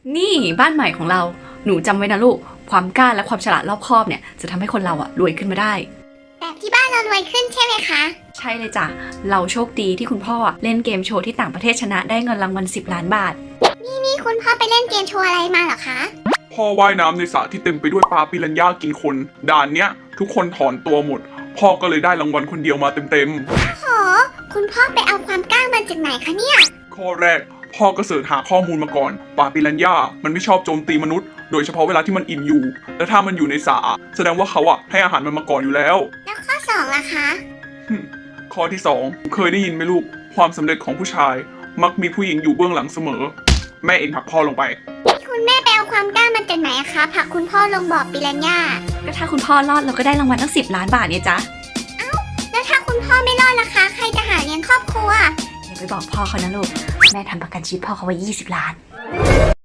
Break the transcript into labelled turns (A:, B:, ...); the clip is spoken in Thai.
A: นี่บ้านใหม่ของเราหนูจำไว้นะลูกความกล้าและความฉลาดรอบคอบเนี่ยจะทำให้คนเรารวยขึ้นมาได้
B: แบบที่บ้านเรารวยขึ้นใช่ไหมคะ
A: ใช่เลยจ้ะเราโชคดีที่คุณพ่อเล่นเกมโชว์ที่ต่างประเทศชนะได้เงินรางวัล10 ล้านบาท
B: นี่คุณพ่อไปเล่นเกมโชว์อะไรมาเหรอคะ
C: พ่อว่ายน้ำในสระที่เต็มไปด้วยปลาปิรันย่ากินคนด่านเนี้ยทุกคนถอนตัวหมดพ่อก็เลยได้รางวัลคนเดียวมาเต็ม
B: โหคุณพ่อไปเอาความกล้ามาจากไหนคะเนี่ย
C: ข้อแรกพ่อก็เสิร์ชหาข้อมูลมาก่อนปลาปิรันย่ามันไม่ชอบโจมตีมนุษย์โดยเฉพาะเวลาที่มันอิ่มอยู่และถ้ามันอยู่ในสระแสดงว่าเขาให้อาหารมันมาก่อนอยู่แล้ว
B: ข้อ2ล่ะคะ
C: ข้อที่2เคยได้ยินไหมลูกความสำเร็จของผู้ชายมักมีผู้หญิงอยู่เบื้องหลังเสมอแม่เองผลักพ่อลงไป
B: คุณแม่ไปเอาความกล้ามาจากไหนคะผลักคุณพ่อลงบ่อปิรันย่า
A: ก็ถ้าคุณพ่อรอดเราก็ได้รางวัลตั้ง10 ล้านบาทเนี่ยจ๊ะ
B: แล้วถ้าคุณพ่อไม่รอดล่ะคะใครจะหาเลี้ยงครอบครัว
A: อย่าไปบอกพ่อเขานะลูกแม่ทำประกันชีวิตพ่อเขาไว้20 ล้าน